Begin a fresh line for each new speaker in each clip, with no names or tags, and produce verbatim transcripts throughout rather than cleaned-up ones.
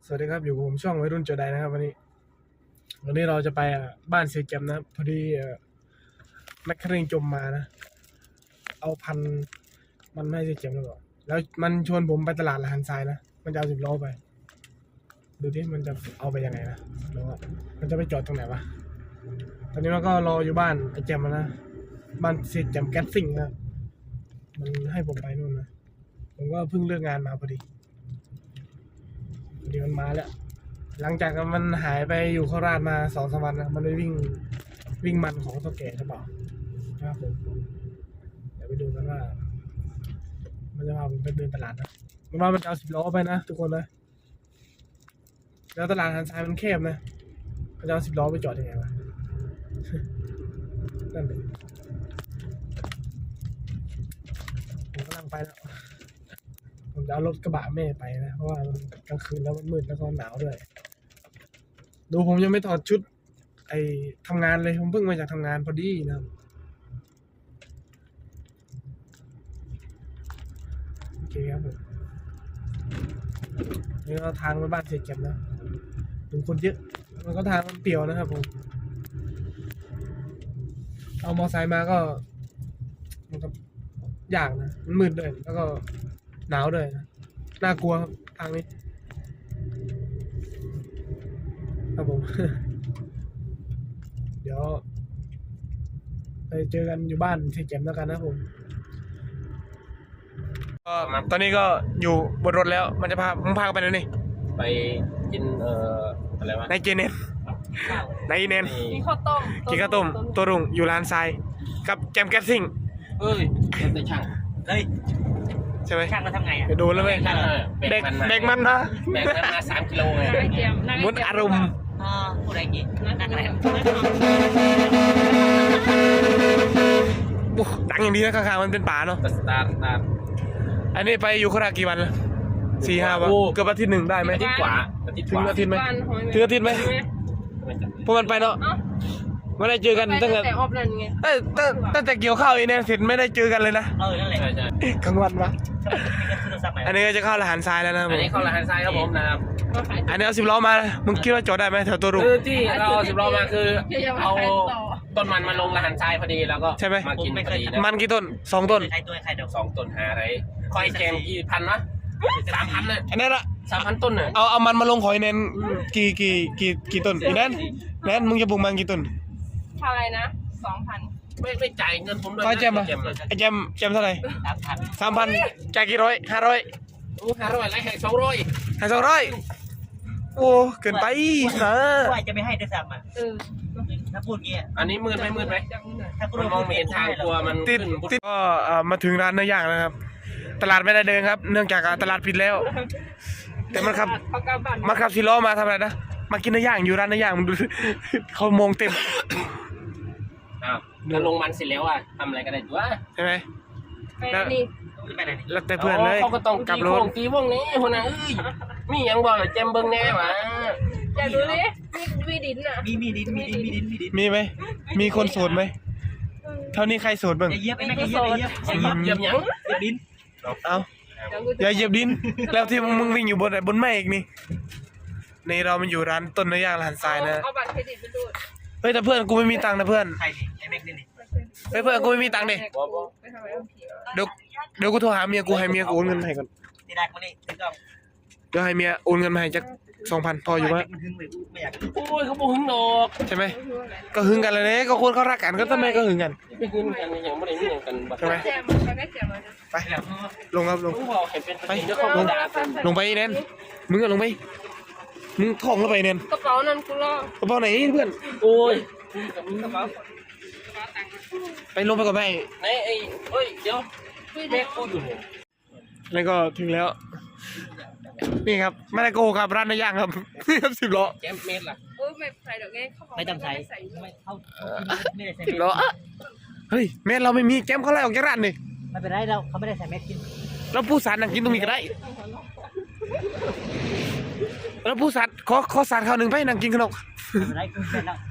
สวัสดีครับอยู่กับผมช่องวัยรุ่นโจไดนะครับวันนี้วันนี้เราจะไปบ้านเสียแจมนะพอดีแมคคาเรนจมมานะเอาพันมันไม่ให้เสียแจมหรือเปล่าแล้วมันชวนผมไปตลาดละหันทรายนะมันจะเอาสิบล้อไปดูที่มันจะเอาไปยังไงนะแล้วมันจะไปจอดตรงไหนวะตอนนี้มันก็รออยู่บ้านไอ้แจมนะบ้านเสียแจมแก๊สซิ่งนะมันให้ผมไปนู่นนะผมก็เพิ่งเลิกงานมาพอดีเดี๋ยวมันมาแล้วหลังจากมันหายไปอยู่โคราชมาสองสามวันนะมันไปวิ่งวิ่งมันของเฒ่าแก่ใช่เปล่านะครับผมเดี๋ยวไปดูกันว่ามันจะพาผมไปเดินตลาดนะมันว่ามันจะเอาสิบล้อไปนะทุกคนนะแล้วตลาดหันซ้ายมันแคบนะมันจะเอาสิบล้อไปจอดยังไงวะ นั่นเลยผมกำลังไปแล้วผมจะเอารถกระบะแม่ไปนะเพราะว่ามันกลางคืนแล้วมันมืดแล้วก็หนาวด้วยดูผมยังไม่ถอดชุดไอ้ทำงานเลยผมเพิ่งมาจากทำงานพอดีนะโอเคครับผมนี่เราทางไปบ้านเสียแจมนะถึงคนเยอะมันก็ทางมันเปี่ยวนะครับผมเอามอไซค์มาก็มันก็ยากนะมันมืดด้วยแล้วก็หนาวด้วยนะน่ากลัวครับทางนี้ครับผม เดี๋ยวไปเจอกันอยู่บ้านเสียแจมแล้วกันนะผมก็ตอนนี้ก็อยู่บนรถแล้วมันจะพาผมพาไปไหนนี่
ไปกินเอ่ออะไรวะ
นายเจเนนนายเนน
กินข้าวต้ม
กินข้าวต้มตัวรุ่งอยู่ร้านทรายกับแจมแก๊สซิ่ง
เอ้ยเป็นแต่ช่างเฮ้ย
ใช่ไหม
ช่างมันทำไงอ่ะ
ไปดูแล้วไหมเด็กเด็กมันนะ
แบกมันมาสามกิโลไง
มุดอารมณ์
อ๋อผู้ใดกินนั่งอะไร
ดังอย่างนี้นะข้างๆมันเป็นป่าเนาะ
สตาร์ทสตาร์ท
อันนี้ไปอยู่โคราชกี่วันแล้วสี่ห้าวันเกือบอาทิตย์หนึ่งได้ไหม
อาทิตย์กว่าอาทิตย์กว่า
อาทิตย์ไหมถึงอาทิตย์ไหมพวกมันไปเนาะไม่ได้เจอกันตั้งแต่
ออฟนั่นไง
เอ้ตั้งแต่เกี่ยวข้าวอีเนี่ยเสร็จไม่ได้เจอกันเลยนะ
เออนั่นแหละ
กลางวันวะอันนี้ก็จะเข้าละหันทรายแล้วนะ
อันนี้เข้าละหันทรายครับผมนะครับ
อันนี้เอาสิบล้อมามึงคิดว่าจอดได้ไหมแถวตัวรุ่ง
คือที่เราสิบล้อมาคือเอาต้นมันมาลงละหันทรายพอดีแล้วก็มากินพอดี
มันกี่ต้นสองต้น
สองต้นหาอะไรคอยแกมกี่พันวะสามพันเลย
อันนั้นละ
สามพันต้นเนี่ย
เอาเอามันมาลงหอยเน้นกี่กี่กี่กี่ต้นอีนั้นนั้นมึงจะปลูกมันกี่ต้น
เท่าไรนะสองพัน
ไม่ไม่จ่ายเงินผมด้วย
ไอ้แจมอะไอ้แจมแจมเท่าไหร่สามพันสามพันจ่ายกี่ร้อยห้าร้อย
โอ้ห้าร้อยไรแค่สองร้อย
ห้าสองร้อยโอ้เกินไปนะ
ว่าจะไม่ให้ด้วยซ้ำอ่ะถ้าพูดเงี้ย
อันนี้มืดไหมมืดไหมถ้าคุณมองไม่เห็นทางกลัวมัน
ติดติดก็มาถึงร้านเนื้อย่างนะครับตลาดไม่ได้เดินครับเนื่องจากตลาดปิดแล้วแต่มันขับมันขับซีล้อมาทำอะไรนะมากินเนื้อย่างอยู่ร้านเนื้อย่างมันดูเขามองเต็ม
อ้าวแล้วลงมันเสร็จแล้วอ่ะทำอะไรกันได้ตัว
ใช่ไหม
แล้วนี่
แล้วแต่เพื่อนเลย
เขาก็ต้องกลับรถตีวงนี้คนนั้นเอ้ยมียังบอกเลยเจมเบิ้งแน่หวะ
อยากดูดิมีดินอ่ะ
มีมีดินมีดินมีดินมีดิน
มีไหมมีคนโสดไหมเท่านี้ใครโสดบ้าง
อย่าเยียบไม่อย่าเยียบอย่า
เยียบยัง
ดิน
เอาอย่าเหยียบดินแล้วที่มึงวิ่งอยู่บนบนแม่อีกนี่ในเรามันอยู่ร้านต้นเนื้อย่างร้านทรายนะ
เอาบัตรเครดิตไปดู
เฮ้ยแต่เพื่อนกูไม่มีตังค์นะเพื่อน
ใครดิไอ้แม็กนี่
เฮ้ยเพื่อนกูไม่มีตังค์ดิเดี๋ยวเดี๋ยวกูโทรหาเมียกูให้เมียกูโอนเงินให้ก่อน
ที่ได้คนนี้ถึงก็
เดี๋ยวให้เมียโอนเงินมาให้จักสองพันพออยู่ไหม
โอ้ยเขาบอกหึงดอก
ใช่ไหมก็หึงกันเลยเนี่ยก็คนเขารักกันก็ทำไมก็หึงกัน
ไม่หึงกันอย่างไม่ได้หึงกัน
ใช่ไหมไปลงครับลงไปลงลงไปเน้นมึงก็ลงไปมึงท่องแล้วไปเน้น
กระเป๋านั่นกูรอก
ระเป๋าไหนเพื่อน
โอ้ย
กระเป๋า
ไปลงไปก่อนไป
ไหนไอ้เฮ้ยเดี๋ยวแม่กูอยู่
แล้วก็ถึงแล้วนี่ครับไม่ได้โกหกครับร้านเนื้อย่างครับนี่ครับสิบล้อ
แกมเมตรล่ะ
โอ้ยไม่ใส่ดอกไง
ไม่ต้องใส่ไม่เขาไม่ได้ใส่
สิบล้อเฮ้ยเมตรเราไม่มีแกมเขาไล่ออกจากร้านนี่
ไม่เป็นไรเราเขาไม่ได้ใส่แม็กกิน
แล้วผู้สารนั่งกินตรงนี้ก็ได้แล้วผู้สารขอขอสารข้าวหนึ่งไปนั่งกินขนม
อะไรกูเป็นแล้ว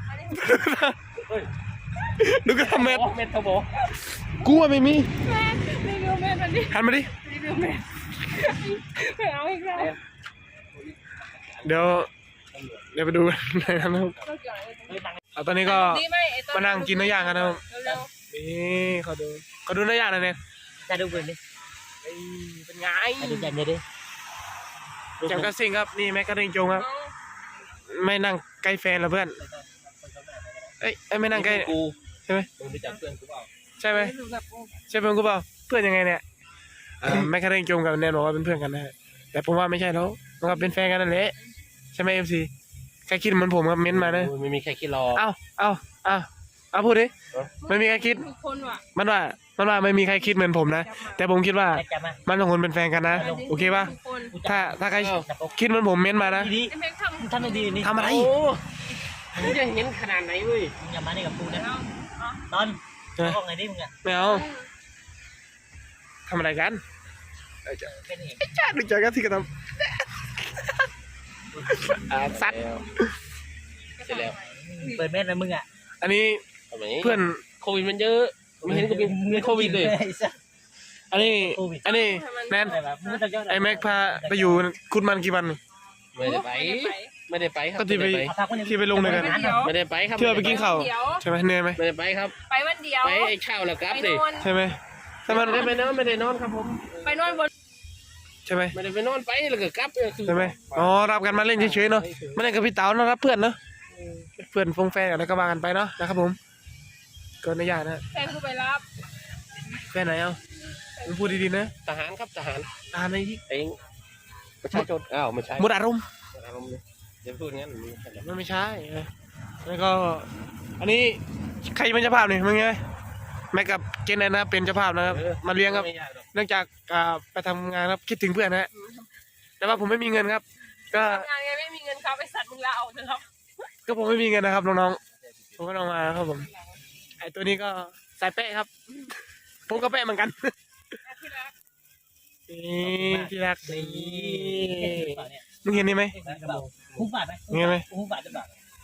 ดูก็ทำเมตร
เมตรเขาบอก
กูว่าไม่มี
รีวิวเมตรมันดิ
หันมาดิ
รีวิวเมตรไปเอาอีกแล้ว
เดี๋ยวเดี๋ยวไปดูในนั้นนะครับ
ก็เกี่ยวอะไร
เฮ้ยตังค์
เอาตอนนี้ก็
ดีไหมไอ้ตอ
มานั่งกินเนื้อย่างกันนะครับ
เร็ว
นี่เขาดูเขาดูเนื้อย่างหน่อยเนี่ย
จะดูเพื่อนดิ
เอ้ยเป็นไง
จะดูแจมเลยดิ
แจมกระซิงครับนี่แม็กกระดิ่งจงครับ ไม่นั่งใกล้แฟนเหรอเพื่อนเอ้ยเอ้ยไม่นั่งใกล้
กู
ใช่ไหม
มึงรู้จักเพื่อนกูเปล่า
ใช่ไหม
ดูแบบโอ้
ใช่เพื่อนกูเปล่าเพื่อนยังไงเนี่ยเอ่อแม็กกระดิ่งจงกับแนนบอกว่าเป็นเพื่อนกันนะฮะแต่ผมว่าไม่ใช่แล้วมันก็เป็นแฟนกันนั่นแหละใช่ไหมเอฟซีใครคิดเหมือนผมครับเม้นต์มานะ
ไม่มีใครคิดรอ
เอ้าเอ้าเอ้าเอาพูดดิไม่มีใครคิด
ทุกคนว่ะ
มันว่ามันว่าไม่มีใครคิดเหมือนผมนะแต่ผมคิดว่า
แจมมา
มันสองคนเป็นแฟนกันนะโอเคป่ะ
ทุกคน
ถ้าถ้าใครคิดเหมือนผมเม้นต์มานะ
ดี
ไอ้แม็กทำ
มึงทำได้ดีนี่
ทำอะไร
โอ้มึงจะเห็นขนาดไหนเว้ย
มึงอย่ามาในกับกูนะ
แล้ว
ตอนบอกไงดิมึงอ่ะ
ไม่เอาทำอะไรกัน
เป็นเอง
จ้าดูจากกันที่กระทำอ่าซัด
เสร็จแล้ว
เปิดเม็ดเลยมึงอ่ะ
อันนี้
ทำไม
เพื่อน
โควิดมันเยอะไม่เห็นกูเป็นเป็นโควิดเลย
อันนี้อันนี้แนน
อะไรแบบมึงจะยอด
ไอแม็กพาไปอยู่คุณมันกี่วัน
ไม่ได้ไป ไม่ได้ไปครับ
ก็ที่ไป
ไม่ได้
ที่ไปลงด้วยกัน
ไม่ได้ไปครับ
ที่เราไปกินข้าว
เดี๋ยว
ใช่ไหมเหนื่อยไหม
ไม่ได้ไปครับ
ไปวันเดียว
ไปไอ้ข้าวแล้วกลับ
ไป
สิ
นอน
ใช่ไหมถ้ามัน
ไม่ได้ไปนอนไม่ได้นอนครับผม
ไปนอนบน
ใช่ไหม
ไม่ได้ไปนอนไปแล้วก็กลับเนี่ยคือ
ใช่ไหมอ๋อรับกันมาเล่นเฉยๆเนาะมาเล่นกับพี่เต๋าเนาะรับเพื่อนเนาะเพื่อนฟงแฟนอะไรก็ว่ากันไปเนาะนะครับผมเกินในอย่างนะ
แฟนกูไปรับ
แฟนไหนเอามึงพูดดีๆนะ
ทหารครับทหาร
ตามในที่
เองประชาชนอ้าวไม่ใช่
หมดอารมณ์
อารมณ์เลยอย่าพูดงั้นมึง
มันไม่ใช่เออแล้วก็ อันนี้ใครเป็นเจ้าภาพเนี่ยมึงไงแม็กกับเจนแนนนะเป็นเจ้าภาพนะครับมาเลี้ยงครับ
ไม่ยากหรอก
เนื่องจากอ่าไปทำงานครับคิดถึงเพื่อนนะฮะแต่ว่าผมไม่มีเงินครับ ก็
ทำงานไงไม่มีเงินครับไปสัตว์มึงลาออกเถอะครับ
ก็ผมไม่มีเงินนะครับน้องๆผมก็ต้องมาครับผมไอตัวนี้ก็สายเป๊ะครับ ผมก็เป๊ะเหมือนกัน
ที่รัก
นี่ที่รัก
นี่
นี่มึงเห็นนี่ไหม
หุ้มบาทไหม
เห็นไหม
หุ้มบาทจะบาท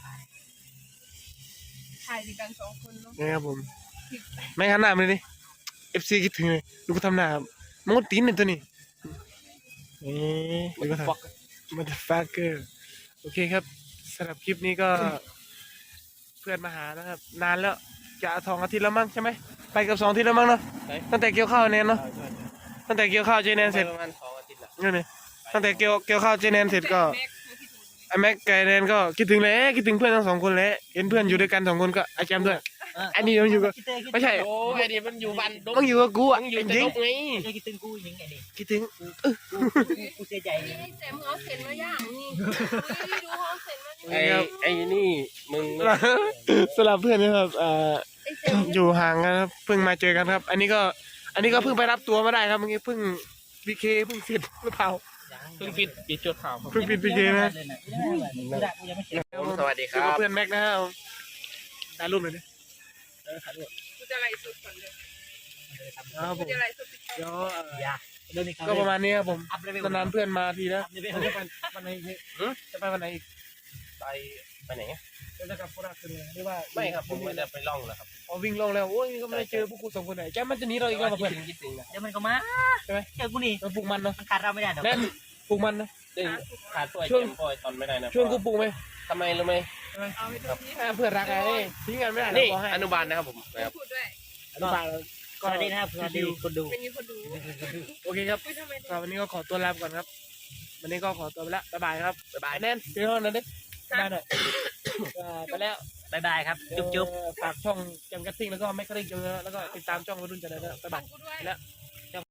ถ่ายด้วยกันสองคนเนาะ
นี่ครับผมไม่ขันหน้ามันเลยดิเอฟซีคิดถึงเลยดูก็ทำหน้าครับมันก็ตีนเนี่ยตัวนี้นี่ดูก็ทำมันจะฟักเกอร์โอเคครับสำหรับคลิปนี้ก็ เพื่อนมาหานะครับ นานแล้วจะสองอาทิตย์แล้วมั้งใช่ไหมไปกับสองอาทิตย์แล้วมั้งเนาะตั้งแต่เกี่ยวข้าวเนนเนาะตั้งแต่เกี่ยวข้าวเจแนนเสร็จ
ประมาณสองอาทิตย์ละ
นี่นี่ตั้งแต่เกี่ยวเกี่ยวข้าวเจแนนเสร็จก็
แม็กซ์คิดถึง
ไอแม็กไกแนนก็คิดถึงแล้วคิดถึงเพื่อนทั้งสองคนแล้วเห็นเพื่อนอยู่ด้วยกันสองคนก็ไอแจมด้วยอันนี้มันอยู่กับไม่ใช่
โอ้ไอ้นี่มันอยู่บ้านดง
มันอยู่กับกูอ่ะ
มันอยู่
จ
แต่
ริง
ดงไง
จะคิดถึงกูยังไงดิ
คิดถึง
กูเสียใจ
นี่ให้แจมเอาเซ็นมาย่างนี่ดูห้องเซ็นมานี่
ไอ้ไอ้นี่มึง
สำหรับเพื่อนนะครับเอ่อ
ไอ้แจม
อยู่ห่างกันครับเพิ่งมาเจอกันครับ อันนี้ก็อันนี้ก็เพิ่งไปรับตัวมาได้ครับเมื่อกี้เพิ่งพีเคเพิ่งเสร็จหรือเปล่า
เพิ่งปิดปิดจุดข่าว
เพิ่งปิดพีเคนะ
ไม่ได้กูยังไม่เสร็จ
สวัสดีค
คือ
รับ
เพื่อนแม็กนะครับถ่ายรูปหน่อยดิ
กูจะไล่สุดก่อนเลย
ครับผ
กู
ม
จะไล่สุด
เดี๋ยวเอ่อ
อย่าเรื่องนี้
ก็ประมาณนี้ครับผม
อัพเลเวล
นานๆเพื่อนมาทีนะ
อัพเลเวล
จะไปวันไหนอีกจะไปวันไหนอีก
ไปไปไหน
จะกลับโคราชคืนเลยหรือว่า
ไม่ครับผมไม่ได้ไปล่องแล้วครับ
อ๋อวิ่งลงแล้วโอ้ยก็ไม่ได้เจอพวกกูสองคนไหนแกมันจะหนีเราอีกแล้วมาเพื่อน
คิดถึงนะ
เดี๋ยวมันก็มา
ใช่ไหม
เจอกูนี่
เราปลูกมันเนาะ
มันขาดเราไม่ได้หรอก
แน่นปลูกมันนะ
ดึงขาดตัวไอ้
ช่วง
เจมส์บอยตอนไม่ได้นะ
ช่วงกูปลูกไหม
ทำไมรู้ไหม
เอาไปดูที่
อ่าเพื่อนรักไงทิ้งกันไม่ได้
นี่
เราบอกให้
อนุบาลนะครับผมนะครับ
พูดด้วย
อนุบาล
สวัสดีนะครับสวัสดีคนดู
เป็นมีคนดู
โอเคครับ
อุ้ยทำไม
สำหรับวันนี้ก็ขอตัวลาไปก่อนครับ วันนี้ก็ขอตัวไปแล้วบ๊ายบายครับบ๊ายบายแน่นเดี๋ยวนั่นดิบ๊ายบายหน่อยอ่าไปแล้ว
บายบายครับ จุ๊บจุ๊บ
เอ่อฝากช่องแจมกัตติ้งแล้วก็แมคคาริงจงแล้วก็ติดตามช่องวัยรุ่นจะได้แล้วบ๊ายบาย
กูด้วย
แล้วเจ้า